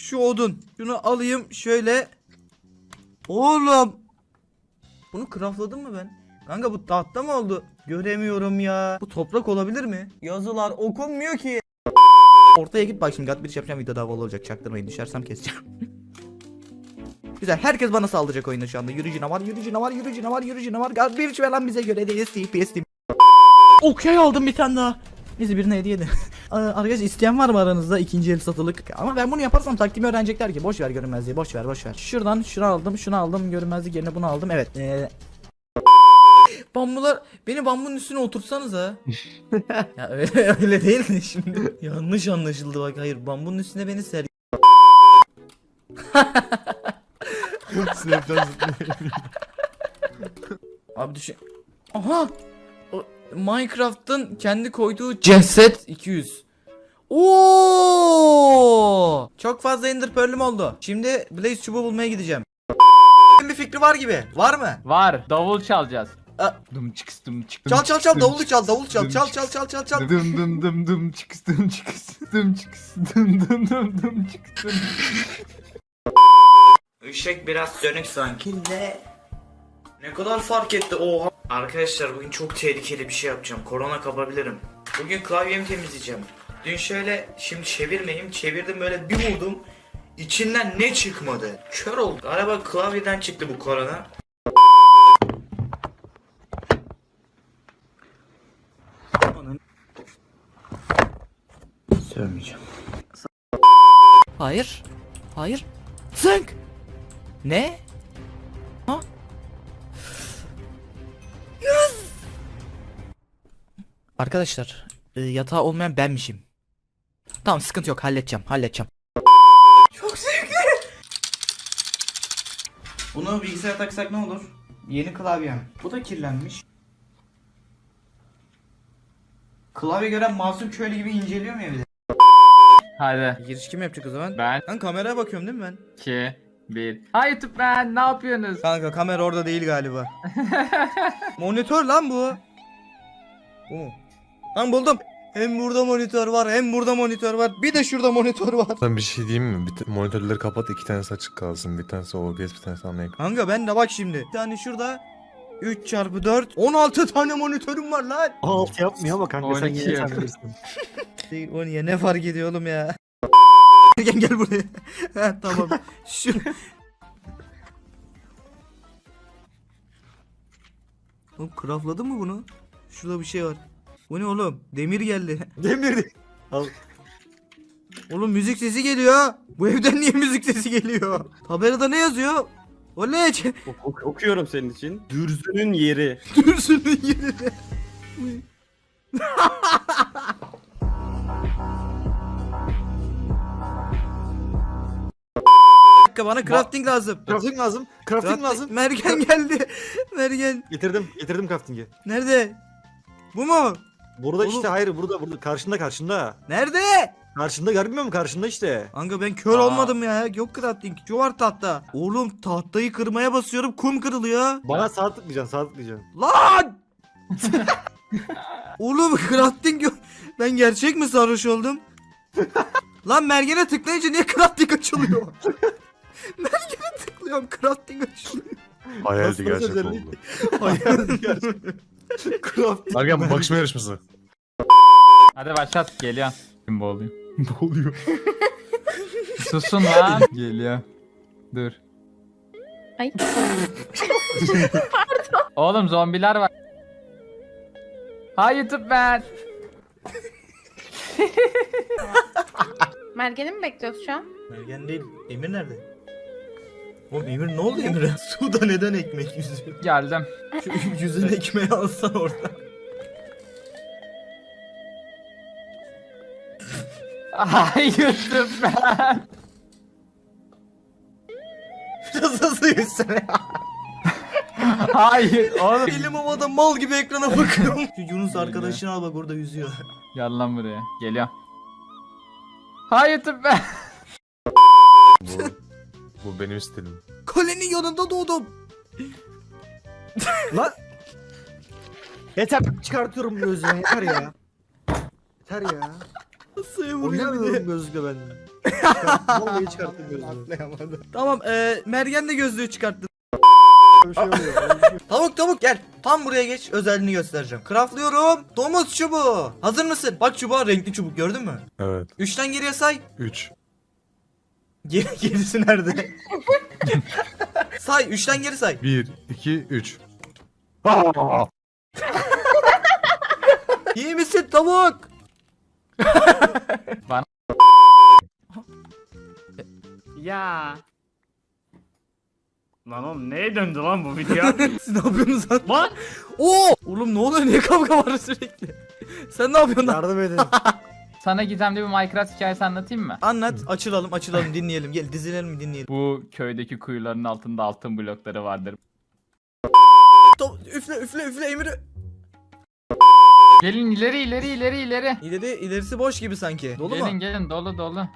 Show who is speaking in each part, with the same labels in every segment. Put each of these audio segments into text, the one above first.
Speaker 1: Şu odun. Şunu alayım şöyle. Oğlum. Bunu craftladım mı ben? Kanka bu tahta mı oldu? Göremiyorum ya. Bu toprak olabilir mi? Yazılar okunmuyor ki. Ortaya git bak şimdi. Bir yapacağım, video daha olacak. Çaktırmayın, düşersem keseceğim. Güzel, herkes bana saldıracak oyunda şu anda. Yürü canavar, yürü canavar, yürü canavar, yürü canavar. Bir falan bize göre değil. TPS. Okey, aldım bir tane daha. Neyse, birine hediye edin. Arkadaşlar, isteyen var mı aranızda ikinci el satılık? Ama ben bunu yaparsam taktiğimi öğrenecekler ki. Boş ver görünmezliği, boş ver. Şuradan şunu aldım, görünmezlik yerine bunu aldım. Evet. Bambular, beni bambunun üstüne oturtsanız ha. Ya öyle değil mi şimdi? Yanlış anlaşıldı bak. Hayır, bambunun üstüne beni ser. Abi düşün. Aha! Minecraft'ın kendi koyduğu ceset 200. Oo! Çok fazla Ender Pearl'üm oldu. Şimdi Blaze çubuğu bulmaya gideceğim. Bir fikri var gibi. Var mı?
Speaker 2: Var. Davul çalacağız. Dum çıkıs dum çıkıs.
Speaker 1: Çal davulu çal. Çal.
Speaker 2: Dım dım dım dım çıkıs dım çıkıs dım çıkıs dım dım dım dım çıkıs dım.
Speaker 1: Işık biraz sönük sanki. Ne kadar fark etti, oha. Arkadaşlar, bugün çok tehlikeli bir şey yapacağım. Korona kapabilirim. Bugün klavyemi temizleyeceğim. Dün şöyle, şimdi çevirmeyeyim. Çevirdim, böyle bir vurdum. İçinden ne çıkmadı? Kör oldum. Galiba klavyeden çıktı bu korona. Sövmeyeceğim. Hayır. Zınk. Ne? Ha? Yes. Arkadaşlar, yatağı olmayan benmişim. Tamam, sıkıntı yok, halledeceğim. Çok zevkli. Bunu bilgisayara taksak ne olur? Yeni klavyem. Bu da kirlenmiş. Klavye gören masum köylü gibi inceliyor mu evde?
Speaker 2: Hadi.
Speaker 1: Giriş kim yapacak o zaman?
Speaker 2: Ben.
Speaker 1: Ben kameraya bakıyorum değil mi ben?
Speaker 2: 2 1. Hi YouTube ben. Ne yapıyorsunuz?
Speaker 1: Kanka, kamera orada değil galiba. Monitör lan bu. Bu mu? Lan buldum. Hem burada monitör var, hem burada monitör var. Bir de şurada monitör var.
Speaker 3: Ben bir şey diyeyim mi? Monitörleri kapat, iki tanesi açık kalsın. Bir tanesi OBS, bir tanesi ana ekran.
Speaker 1: Kanka ben de bak şimdi. Bir tane şurada 3x4 16 tane monitörüm var lan.
Speaker 4: 16 yapmıyor ama kanka sen
Speaker 2: 12
Speaker 4: yine
Speaker 2: yap.
Speaker 4: sen bilirsin.
Speaker 1: O niye, ne fark ediyor oğlum ya? gel buraya. Ha, tamam. Şu Oğlum, craftladın mı bunu? Şurada bir şey var. Bu ne oğlum? Demir geldi.
Speaker 4: Demirdi. Al.
Speaker 1: Oğlum, müzik sesi geliyor. Bu evden niye müzik sesi geliyor? Tabelada ne yazıyor? O ne?
Speaker 4: Okuyorum senin için. Dürzünün yeri.
Speaker 1: Dürsünün yerine. Bana crafting lazım.
Speaker 4: Crafting lazım. Crafting lazım.
Speaker 1: Mergen geldi. Mergen.
Speaker 4: Getirdim crafting'i.
Speaker 1: Nerede? Bu mu?
Speaker 4: Burada
Speaker 1: Oğlum.
Speaker 4: işte hayır burada karşında.
Speaker 1: Nerede?
Speaker 4: Karşında görmüyor musun karşında işte.
Speaker 1: Kanka ben kör olmadım ya. Yok crafting. Şu var tahta. Oğlum, tahtayı kırmaya basıyorum. Kum kırılıyor.
Speaker 4: Bana sağ tıklayacaksın.
Speaker 1: Lan! Oğlum, crafting yok. Ben gerçek mi sarhoş oldum? Lan, mergene tıklayınca niye crafting açılıyor? Mergene tıklıyorum, crafting açılıyor.
Speaker 3: Hayaldi
Speaker 4: Nasıl
Speaker 3: gerçek
Speaker 4: özellik?
Speaker 3: oldu.
Speaker 1: Hayır.
Speaker 4: Crafting.
Speaker 3: Ergen, bakışma yarışması.
Speaker 2: Hadi başlat. Geliyor. Kim boğuluyor?
Speaker 3: Ne oluyor?
Speaker 2: Susun lan. Geliyor. Dur.
Speaker 5: Ay.
Speaker 2: Oğlum zombiler var. Hi YouTube ben.
Speaker 5: Mergen'i mi bekliyoruz şu an?
Speaker 1: Mergen değil. Emir nerede? Oğlum, Emir ne oldu Emir'e? Suda neden ekmek yüzüyor?
Speaker 2: Geldim.
Speaker 1: Şu yüzün ekmeği alsan orada.
Speaker 2: Hi YouTube ben.
Speaker 1: Biraz hızlı yüzsene.
Speaker 2: Hayır oğlum.
Speaker 1: Elim havada mal gibi ekrana bakıyorum. Şu Yunus arkadaşını al, bak orada yüzüyor.
Speaker 2: Gel lan buraya. Geliyor. Hi YouTube ben.
Speaker 3: Bu benim stilim.
Speaker 1: Kalenin yanında doğdum.
Speaker 4: Lan. Yeter çıkartıyorum gözüme yeter ya. Yeter ya.
Speaker 1: Masaya vuruyor bir de.
Speaker 4: Oynamıyorum gözlükle ben. Vallahi çıkarttım gözlüğü.
Speaker 1: Atlayamadım. Tamam Mergen de gözlüğü çıkarttı.
Speaker 4: Bir şey oluyor.
Speaker 1: Tavuk gel. Tam buraya geç, özelliğini göstereceğim. Craftlıyorum. Domuz çubuğu. Hazır mısın? Bak çubuğa, renkli çubuk, gördün mü?
Speaker 3: Evet.
Speaker 1: 3'ten geriye say.
Speaker 3: 3.
Speaker 1: Gerisi nerede? Say, 3'ten geri say.
Speaker 3: 1, 2, 3.
Speaker 1: İyi misin tavuk?
Speaker 6: Ya. Lan oğlum neye döndü lan bu video?
Speaker 1: Siz ne yapıyorsunuz lan?
Speaker 6: Lan!
Speaker 1: Oo! Oğlum ne oluyor? Niye kavga var sürekli? Sen ne yapıyorsun lan?
Speaker 4: Yardım edin.
Speaker 7: Sana gizemli bir Minecraft hikayesi anlatayım mı?
Speaker 1: Anlat, açılalım dinleyelim. Gel dizilelim dinleyelim.
Speaker 7: Bu köydeki kuyuların altında altın blokları vardır.
Speaker 1: Üfle Emir.
Speaker 7: Gelin ileri.
Speaker 1: İlerisi boş gibi sanki. Dolu mu?
Speaker 7: Gelin dolu.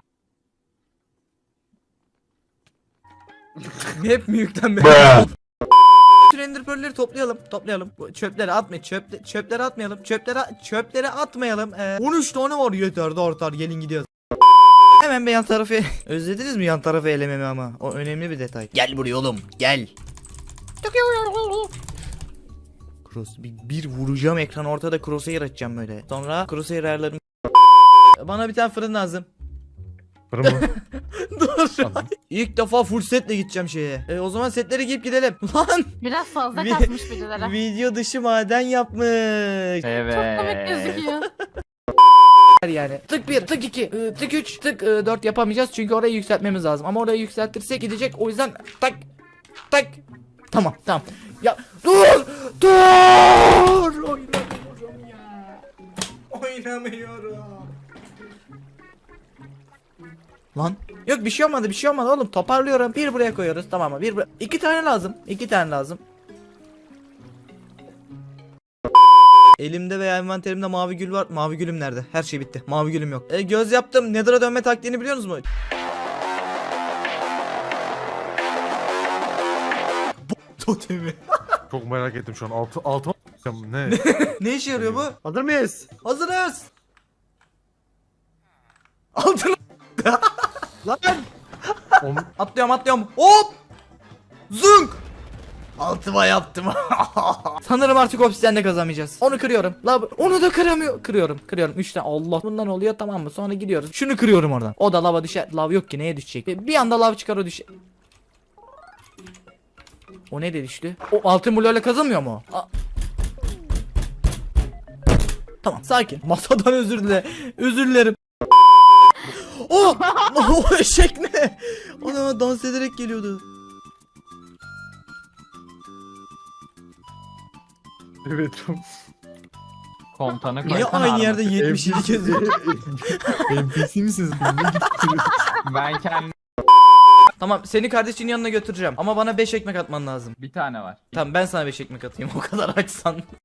Speaker 1: Hep mi yüklenme? Bütün ender pearl'leri toplayalım. Bu çöpleri atmayın. Çöpleri atmayalım. Çöpleri atmayalım. 13 tane var, yeter de artar. Gelin gidiyoruz. Hemen bir yan tarafı özlediniz mi yan tarafı elememi ama? O önemli bir detay. Gel buraya oğlum. Gel. Bir vuracağım ekran ortada, crosshair açacağım böyle. Sonra crosshair ayarlarım. Bana bir tane fırın lazım.
Speaker 3: Fırın mı?
Speaker 1: Dur. İlk defa full setle gideceğim şeye. O zaman setleri giyip gidelim. Lan
Speaker 5: Biraz fazla
Speaker 1: Vi-
Speaker 5: kasmış birileri.
Speaker 1: video dışı maden yapmış.
Speaker 7: Evet.
Speaker 5: Çok komik gözüküyor.
Speaker 1: Yani tık 1, tık 2, tık 3, tık 4 yapamayacağız çünkü orayı yükseltmemiz lazım. Ama orayı yükseltirsek gidecek, o yüzden tak. Tamam. Ya dur. Oynamıyorum. Lan yok, bir şey olmadı oğlum, toparlıyorum. Bir buraya koyuyoruz, tamam mı? İki tane lazım. Elimde veya envanterimde mavi gül var. Mavi gülüm nerede? Her şey bitti. Mavi gülüm yok. Göz yaptım. Nether'a dönme taktiğini biliyor musunuz? Totemi.
Speaker 3: Çok merak ettim şu an. Altıma ne?
Speaker 1: Ne işe yarıyor bu?
Speaker 4: Hazır mıyız?
Speaker 1: Hazırız. Altına
Speaker 4: Lan!
Speaker 1: atlıyorum. Hop! Zünk! Altıma yaptım. Sanırım artık obsidyenle kazanmayacağız. Onu kırıyorum. Onu da kıramıyor. Kırıyorum. 3 tane. Allah, bundan oluyor, tamam mı? Sonra gidiyoruz. Şunu kırıyorum oradan. O da lava düşer. Lav yok ki, neye düşecek? Bir anda lav çıkar, o düşer. O ne de düştü? O altın bloğuyla kazanmıyor mu? Tamam, sakin. Masadan özür dilerim. Oh! O eşek ne? Ana, dans ederek geliyordu.
Speaker 3: Evet.
Speaker 7: Komutanı
Speaker 1: Niye
Speaker 7: koysana
Speaker 1: aynı
Speaker 7: arama.
Speaker 1: yerde 77 kez?
Speaker 3: NPC misiniz?
Speaker 7: Ben kendim
Speaker 1: Tamam, seni kardeşinin yanına götüreceğim. Ama bana 5 ekmek atman lazım.
Speaker 7: bir tane var.
Speaker 1: Tamam, ben sana 5 ekmek atayım, o kadar açsan.